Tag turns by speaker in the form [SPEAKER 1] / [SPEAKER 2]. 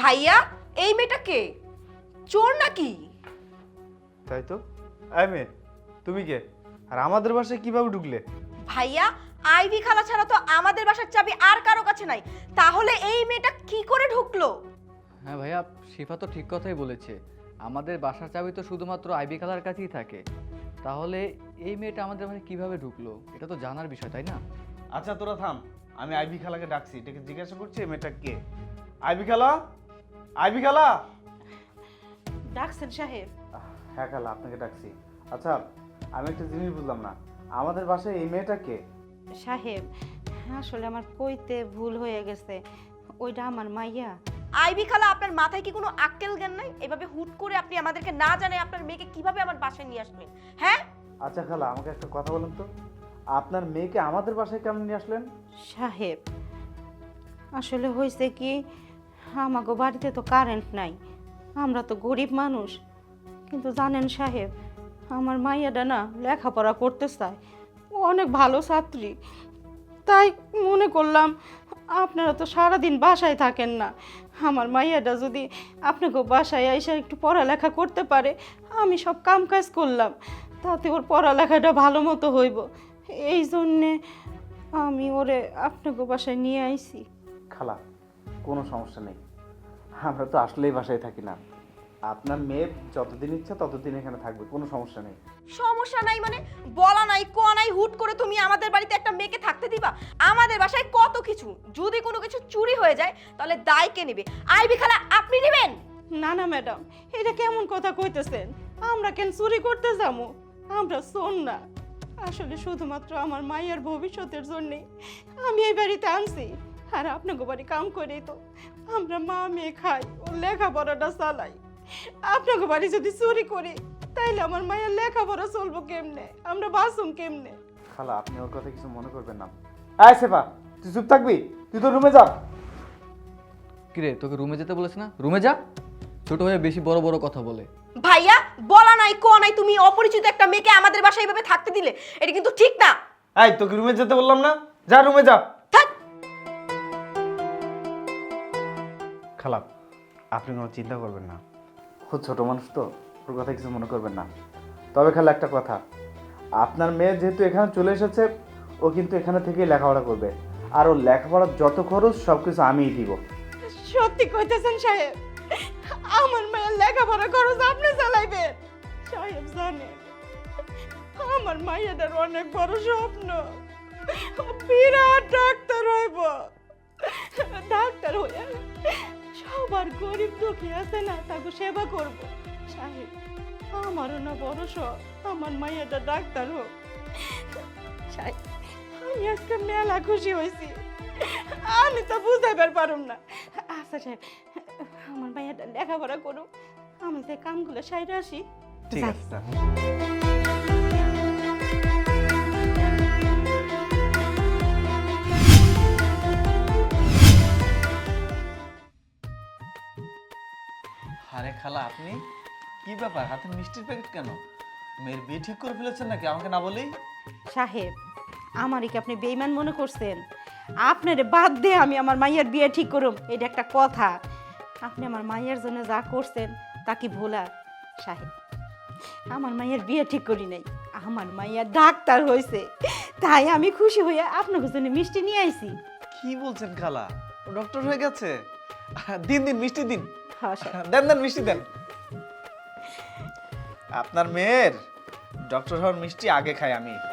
[SPEAKER 1] ভাইয়া এই মেয়েটা কে? চোর নাকি?
[SPEAKER 2] তাই তো। এই মেয়ে, তুমি কে? আর আমাদের বাসায় কিভাবে ঢুকলে?
[SPEAKER 1] ভাইয়া আইভি খালা ছাড়া তো আমাদের বাসার চাবি আর কারো কাছে নাই, তাহলে এই মেয়েটা কি করে ঢুকলো?
[SPEAKER 3] হ্যাঁ ভাইয়া, শিফা তো ঠিক কথাই বলেছে। আমাদের বাসার চাবি তো শুধুমাত্র আইবি খালার কাছেই থাকে। তাহলে এই মেয়েটা আমাদের বাসায় কিভাবে ঢুকলো এটা তো জানার বিষয়, তাই না?
[SPEAKER 2] আচ্ছা তোরা থাম, আমি আইবি খালাকে ডাকছি, এটাকে জিজ্ঞাসা করছি এই মেয়েটা কে। আইবি খালা, আইবি খালা।
[SPEAKER 1] ডাকছেন সাহেব?
[SPEAKER 2] হ্যাঁ খালা, আপনাকে ডাকছি। আচ্ছা আমি একটা জিনিস বুঝলাম না, আমাদের বাসায় এই মেয়েটা কে?
[SPEAKER 4] সাহেব, আসলে আমার কইতে ভুল হয়ে গেছে, ওইটা আমার মাইয়া।
[SPEAKER 1] আইভি খালা আপনার মাথায় কি কোনো আক্কেল জ্ঞান নাই? এভাবে হুট করে আপনি আমাদেরকে না জানায় আপনার মেয়েকে কিভাবে আমার বাসায় নিয়ে আসবেন? হ্যাঁ
[SPEAKER 2] আচ্ছা খালা, আমাকে একটা কথা বলুন তো, আপনার মেয়েকে আমাদের বাসায় কেমন নিয়ে আসলেন?
[SPEAKER 4] সাহেব, আসলে হয়েছে কি, আমাগো বাড়িতে তো কারেন্ট নাই, আমরা তো গরিব মানুষ। কিন্তু জানেন সাহেব, আমার মাইয়াটা না লেখাপড়া করতে চায়, ও অনেক ভালো ছাত্রী। তাই মনে করলাম আপনারা তো সারাদিন বাসায় থাকেন না, আমার মাইয়াটা যদি আপনাকে বাসায় এসে একটু পড়ালেখা করতে পারে, আমি সব কাম কাজ করলাম, তাতে ওর পড়ালেখাটা ভালো মতো হইব। এই জন্যে আমি ওরে আপনাকে বাসায় নিয়ে আইছি।
[SPEAKER 2] খালা কোনো সমস্যা নেই, আমরা তো আসলেই বাসায় থাকি না। আপনার মেয়ে যতদিন ইচ্ছা ততদিন এখানে থাকবে, কোনো সমস্যা নেই।
[SPEAKER 1] সমস্যা নাই মানে? বলা নাই কোয়া নাই, হুট করে তুমি আমাদের বাড়িতে একটা মেয়েকে থাকতে দিবা? আমাদের বাসায় কত কিছু, যদি কোনো কিছু চুরি হয়ে যায় তাহলে দায় কে নেবে? আইভি খালা আপনি নেবেন?
[SPEAKER 4] না না ম্যাডাম, এটা কেমন কথা কইতেছেন? আমরা কেন চুরি করতে যাবো? আমরা শোন না, আসলে শুধুমাত্র আমার মায়ের ভবিষ্যতের জন্যে আমি এই বাড়িতে আনছি। আর আপনাকে বাড়ি কাম করেই তো আমরা মা মেয়ে খাই, ও লেখাপড়াটা চালাই। আপনাকে বাড়ি যদি চুরি করি তাইলে আমার মায়ের লেখাপড়া চলবো কেমনে, আমরা বাঁচুম কেমনে?
[SPEAKER 2] খালা আপনি ওর কথা কিছু মনে করবেন না। আয় সেফা, তুই চুপ থাকবি? তুই তো রুমে যা।
[SPEAKER 3] কিরে, তোকে রুমে যেতে বলেছে না? রুমে যা। ছোট হয়ে বেশি বড় বড় কথা বলে।
[SPEAKER 1] ভাইয়া বলা নাই কোয়া নাই, তুমি অপরিচিত একটা মেয়েকে আমাদের বাসায় এভাবে থাকতে দিলে, এটা কিন্তু ঠিক না।
[SPEAKER 2] এই তোকে রুমে যেতে বললাম না, যা রুমে যা।
[SPEAKER 1] থাক।
[SPEAKER 2] খালা আপনি কোনো চিন্তা করবেন না, খুব ছোট মানুষ তো, ওর কথা কিছু মনে করবেন না। তবে খালা একটা কথা, আপনার মেয়ে যেহেতু এখানে চলে এসেছে, ও কিন্তু এখানে থেকেই লেখাপড়া করবে, আর ওর লেখাপড়ার যত খরচ সব কিছু আমিই দিব।
[SPEAKER 4] সত্যি কইতেছেন সাহেব? আমার মায়ের লেখাপড়া খরচ আপনি চালাইবেন? সাহেব জানেন, আমার মায়ের অনেক বড় স্বপ্ন, ও বিরাট ডাক্তার হইব। ডাক্তার হয়ে সবার গরিব দুঃখী আছে না, তাকে সেবা করব। সাহেব, আমারও না বড় শখ আমার মায়েরটা ডাক্তার হোক। সাহেব, আমি আজকে মেলা খুশি হয়েছি, আমি তো বুঝাইবার পারুম না। আচ্ছা সাহেব, আমার মায়েরটা লেখাপড়া করুক, আমি যে কামগুলো সাইডে আসি।
[SPEAKER 2] ঠিক
[SPEAKER 4] যাই।
[SPEAKER 2] আছে।
[SPEAKER 5] আরে খালা, আপনি কি ব্যাপার, হাতে মিষ্টির প্যাকেট কেন? মেয়ের বিয়ে ঠিক করে ফেলেছেন নাকি আমাকে না বলেই?
[SPEAKER 4] সাহেব, আমারই কি আপনি বেইমান মনে করছেন? আপনার বাদ দিয়ে আমি আমার মাইয়ের বিয়ে ঠিক করুম, এটা একটা কথা? আপনি আমার মাইয়ের জন্য যা করছেন তা কি ভোলা? সাহেব, আমার মাইয়ের বিয়ে ঠিক করি নাই, আমার মাইয়া ডাক্তার হয়েছে, তাই আমি খুশি হয়ে আপনার জন্য মিষ্টি নিয়ে আইছি।
[SPEAKER 5] কি বলছেন খালা, ও ডক্টর হয়ে গেছে? দিন দিন মিষ্টি দিন,
[SPEAKER 4] হ্যাঁ সাহেব।
[SPEAKER 5] দেন দেন মিষ্টি দেন। আপনার মেয়ের ডক্টর হওয়ার মিষ্টি আগে খাই আমি।